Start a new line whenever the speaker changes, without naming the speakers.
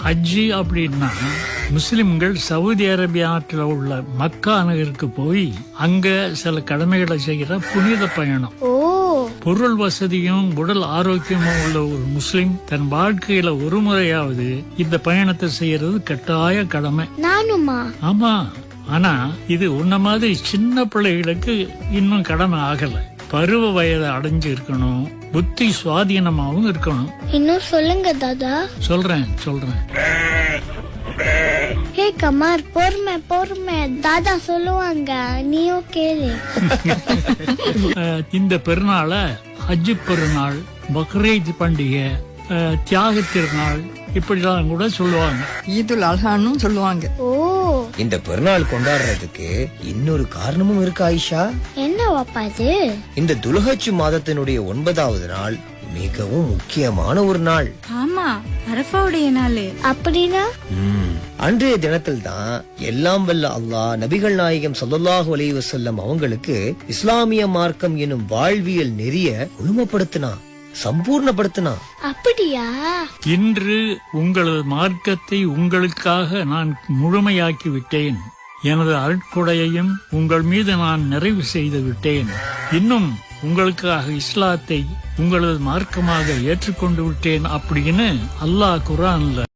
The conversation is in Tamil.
ஹஜ்ஜி அப்படின்னா முஸ்லிம்கள் சவுதி அரேபியாவில் உள்ள மக்கா நகருக்கு போய் அங்க சில கடமைகளை செய்கிற புனித பயணம்.
ஓ,
பொருள் வசதியும் உடல் ஆரோக்கியமும் உள்ள ஒரு முஸ்லிம் தன் வாழ்க்கையில ஒரு முறையாவது இந்த பயணத்தை செய்யறது கட்டாய கடமை.
நானுமா?
ஆமா, ஆனா இது உன்ன மாதிரி சின்ன பிள்ளைகளுக்கு இன்னும் கடமை ஆகல. பருவ வயதை அடைஞ்சு இருக்கணும், புத்தி சுவாதீனமாவும் இருக்கணும்.
இன்னும் சொல்லுங்க தாதா.
சொல்றேன்.
ஹே கமார், பொறுமை தாதா சொல்லுவாங்க, நீயும் கேளு.
இந்த பெருநாளை ஹஜ்ஜு பெருநாள், பக்ரீத் பண்டிகை, தியாக திருநாள் இப்படிலாம் கூட சொல்லுவாங்க.
ஈதுல் அல்ஹான்னு சொல்லுவாங்க.
ஓ,
இந்த பெருநாள் கொண்டாடுறதுக்கு இன்னொரு காரணமும் இருக்கு ஆயிஷா.
என்ன வாப்பா இது?
இந்த துல்ஹஜ் மாதத்தினுடைய 9வது நாள் மிகவும் முக்கியமான ஒரு நாள்.
ஆமா, அரஃபாவுடைய நாள்.
அப்படின்னா
அன்றைய தினத்தில் தான் எல்லாம் வல்ல அல்லாஹ் நபிகள் நாயகம் ஸல்லல்லாஹு அலைஹி வஸல்லம் அவங்களுக்கு இஸ்லாமிய மார்க்கம் எனும் வாழ்வியல் நெறிய முழுமைப்படுத்தினா, சம்பூர்ணப்படுத்தினா.
அப்படியா?
இன்று உங்களது மார்க்கத்தை உங்களுக்காக நான் முழுமையாக்கி விட்டேன். எனது அருட்கொடையையும் உங்கள் மீது நான் நிறைவு செய்து விட்டேன். இன்னும் உங்களுக்காக இஸ்லாத்தை உங்களது மார்க்கமாக ஏற்றுக்கொண்டு விட்டேன் அப்படின்னு அல்லாஹ் குர்ஆன்ல